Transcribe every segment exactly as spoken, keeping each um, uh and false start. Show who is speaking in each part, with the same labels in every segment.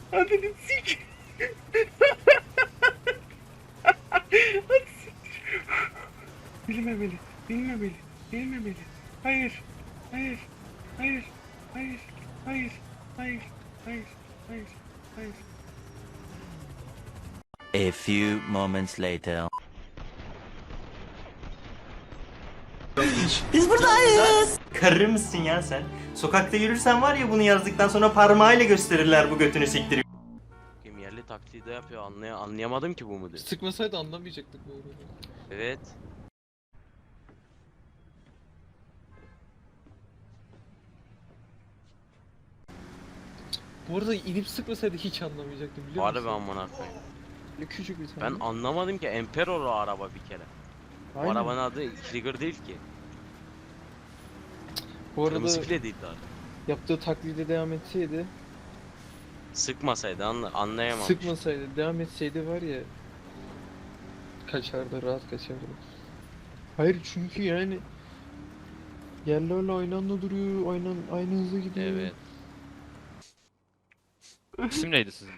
Speaker 1: Adını sik. Bilmemeli, bilmemeli, bilmemeli. Hayır, hayır, hayır, hayır, hayır, hayır, hayır, hayır, hayır.
Speaker 2: A few moments later.
Speaker 3: Biz buradayız. Karı mısın ya sen? Sokakta yürürsen var ya bunu yazdıktan sonra parmağıyla gösterirler bu götünü siktiriyor.
Speaker 4: Kim yerli taklidi yapıyor anlay anlayamadım ki bu mudur?
Speaker 5: Sıkmasaydı anlamayacaktık bu arada.
Speaker 4: Evet.
Speaker 5: Bu arada inip sıkmasaydı hiç anlamayacaktım biliyor
Speaker 4: Harbi
Speaker 5: musun?
Speaker 4: amına koyayım.
Speaker 5: Böyle küçük bir
Speaker 4: Ben
Speaker 5: tane.
Speaker 4: anlamadım ki Emperor o araba bir kere. Bu
Speaker 5: Aynen.
Speaker 4: arabanın adı Trigger değil ki.
Speaker 5: Bu arada
Speaker 4: Kırmızı bile değil daha.
Speaker 5: yaptığı taklide devam etseydi,
Speaker 4: Sıkmasaydı anla anlayamamış.
Speaker 5: sıkmasaydı, devam etseydi var ya kaçardı, rahat kaçardı. Hayır çünkü yani yerlerle aynı anda duruyor, aynı, aynı hızla gidiyor.
Speaker 4: Evet.
Speaker 6: İsim neydi sizin?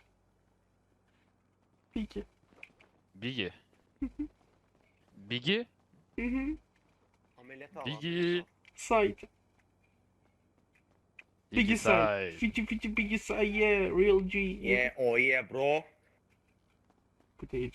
Speaker 1: Peki.
Speaker 6: Bigi. Bigi?
Speaker 1: Hı hı.
Speaker 6: Bigi.
Speaker 1: Side. Biggie side.
Speaker 6: side.
Speaker 1: Fiji fiji biggie side yeah. Real G.
Speaker 7: Yeah, oh yeah, bro.
Speaker 1: Bu değil.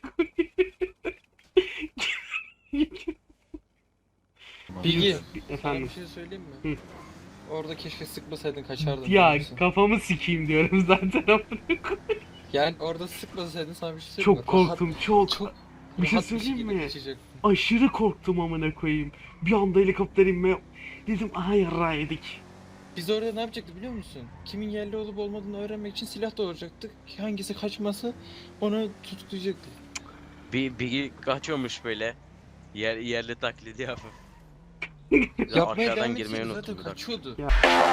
Speaker 5: Bilgi, sana
Speaker 1: Efendim.
Speaker 5: bir şey söyleyeyim mi?
Speaker 1: Hı.
Speaker 5: Orada keşke sıkmasaydın kaçardın.
Speaker 1: Ya
Speaker 5: biliyor musun?
Speaker 1: kafamı sikeyim diyorum zaten.
Speaker 5: Yani orada sıkmasaydın sana bir şey söyleyeyim
Speaker 1: Çok
Speaker 5: mi? Rahat-
Speaker 1: korktum çok.
Speaker 5: Çok
Speaker 1: Bir şey
Speaker 5: rahat
Speaker 1: söyleyeyim
Speaker 5: şekilde
Speaker 1: mi?
Speaker 5: kaçacaktın.
Speaker 1: Aşırı korktum amına koyayım. Bir anda helikopter inme. Dedim aha yarrağı yedik.
Speaker 5: Biz orada ne yapacaktık biliyor musun? Kimin yerli olup olmadığını öğrenmek için silah doğuracaktık. Hangisi kaçmasa onu tutuklayacaktık.
Speaker 4: Bir bir kaçıyormuş böyle. Yer yerli taklidi yapıp.
Speaker 5: Yapmaya
Speaker 4: Arkadan
Speaker 5: devam
Speaker 4: girmeyi
Speaker 5: etseydi
Speaker 4: unuttum
Speaker 5: zaten
Speaker 4: bir dakika.
Speaker 5: kaçıyordu.
Speaker 1: Ya.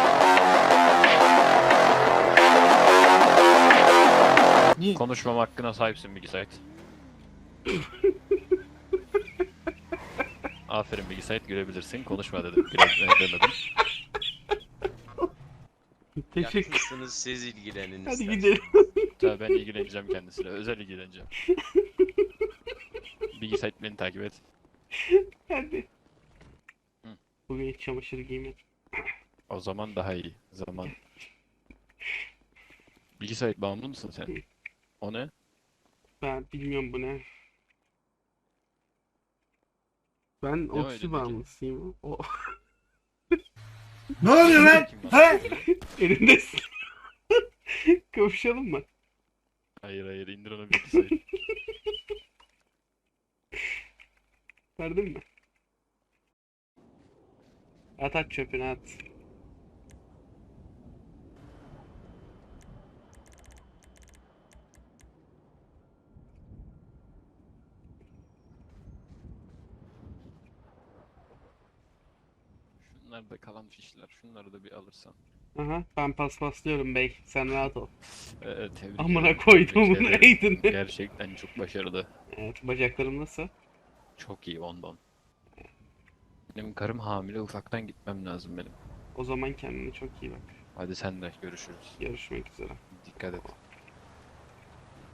Speaker 5: Niye?
Speaker 6: Konuşmam hakkına sahipsin Bigi Sait. Aferin Bigi Sait, gülebilirsin. Konuşma dedim. Güle demedim.
Speaker 1: Teşekkür.
Speaker 4: Yakınsınız siz ilgilenin
Speaker 1: Hadi
Speaker 4: isterseniz.
Speaker 1: gidelim.
Speaker 6: Tabii ben ilgileneceğim kendisiyle. Özel ilgileneceğim. Bigi Sait beni takip et.
Speaker 1: Hadi.
Speaker 6: Hı.
Speaker 1: Bugün hiç çamaşır giymedim.
Speaker 6: O zaman daha iyi. Zaman. Bigi Sait bağımlı mısın sen? O ne?
Speaker 1: Ben bilmiyorum bu ne. Ben
Speaker 6: Ne
Speaker 1: oksi
Speaker 6: öyle
Speaker 1: bağımlısıyım. O
Speaker 7: Ne oluyor lan?
Speaker 6: Kim var?
Speaker 7: He?
Speaker 1: elindesin. Kavuşalım mı?
Speaker 6: Hayır hayır, indir onu Bigi Sait.
Speaker 1: Verdin mi? At at çöpünü at.
Speaker 6: Şunlar da kalan fişler. Şunları da bir alırsan.
Speaker 1: Aha ben paspaslıyorum bey. Sen rahat ol.
Speaker 6: Ee, tebrik
Speaker 1: Amına
Speaker 6: ederim.
Speaker 1: koydum
Speaker 6: Tebrik
Speaker 1: bunu
Speaker 6: ederim.
Speaker 1: eğdin.
Speaker 6: Gerçekten çok başarılı.
Speaker 1: Evet bacaklarım nasıl?
Speaker 6: Çok iyi ondan. Benim karım hamile, ufaktan gitmem lazım benim.
Speaker 1: O zaman kendine çok iyi bak.
Speaker 6: Hadi sen de görüşürüz.
Speaker 1: Görüşmek üzere.
Speaker 6: Dikkat et.